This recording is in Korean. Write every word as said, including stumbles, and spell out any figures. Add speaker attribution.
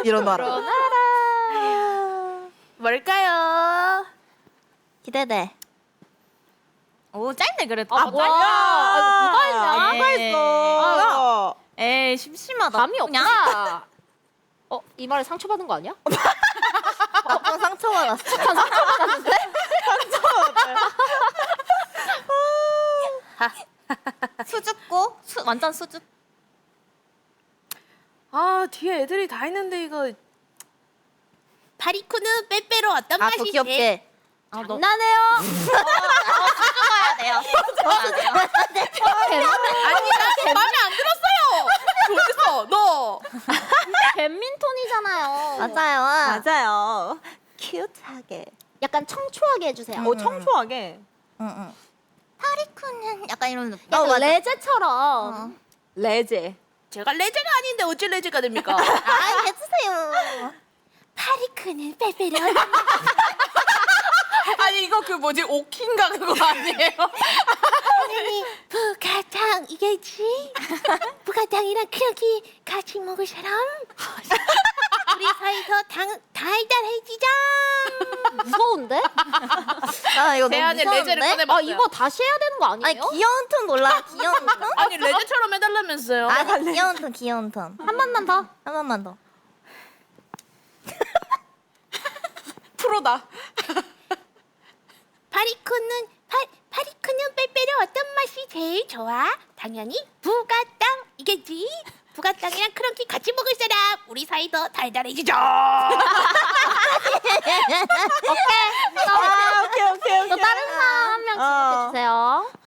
Speaker 1: 일어나라.
Speaker 2: 일어나라.
Speaker 3: 뭘까요?
Speaker 1: 기대돼.
Speaker 4: 오 짧네 그래도.
Speaker 2: 아 뭐야? 아, 누가 했냐?
Speaker 4: 누가
Speaker 1: 했어?
Speaker 4: 에이 심심하다.
Speaker 2: 감이
Speaker 4: 그냥.
Speaker 2: 없다. 어, 이 말에 상처받은 거 아니야?
Speaker 1: 나쁜 상처받았어.
Speaker 4: 수줍고 수, 완전 수줍.
Speaker 3: 아 뒤에 애들이 다 있는데 이거 파리쿠는 빼빼로 어떤
Speaker 1: 아, 더
Speaker 3: 맛이
Speaker 1: 귀엽게.
Speaker 4: 아, 너
Speaker 2: 나네요.
Speaker 4: 수줍어야 돼요. 수줍어야 돼요.
Speaker 3: 아니 나 마음에 안 들었어요. 어딨어 너?
Speaker 2: 뱀민톤이잖아요.
Speaker 1: 맞아요.
Speaker 5: 맞아요.
Speaker 1: 큐트하게.
Speaker 2: 약간 청초하게 해주세요.
Speaker 5: 오 청초하게.
Speaker 1: 응응.
Speaker 4: 파리쿠는 약간 이런 느낌.
Speaker 2: 약간
Speaker 1: 어, 맞아.
Speaker 2: 레제처럼.
Speaker 5: 레제.
Speaker 3: 제가 레제가 아닌데 어찌 레제가 됩니까?
Speaker 1: 아 해주세요.
Speaker 3: 파리쿠는 빼빼로. 아니 이거 그 뭐지 오킨가 그거 아니에요? 부가당 이게지? 부가당이랑 크기 같이 먹을 사람? 우리 사이서 당 달달해지자.
Speaker 2: 무서운데?
Speaker 1: 아 이거 너무
Speaker 3: 대안에 레제를
Speaker 1: 무서운데?
Speaker 2: 아
Speaker 3: 꺼내봤어요.
Speaker 2: 이거 다시 해야 되는 거 아니에요?
Speaker 1: 아니 귀여운 톤 몰라? 귀여운 톤?
Speaker 3: 아니 레제처럼 해달라면서요?
Speaker 1: 아니 귀여운 톤 귀여운 톤.
Speaker 2: 한 번만 더.
Speaker 1: 한 번만 더.
Speaker 5: 프로다.
Speaker 3: 파리쿠는 파 파리쿠는 빼빼로 어떤 맛이 제일 좋아? 당연히 부가땅이겠지. 부가땅이랑 크런키 같이 먹을 사람 우리 사이도 달달해지자.
Speaker 5: 아 오케이 오케이
Speaker 2: 또
Speaker 5: 오케이.
Speaker 2: 다른 사람 한 명
Speaker 5: 어.
Speaker 2: 지목해 주세요.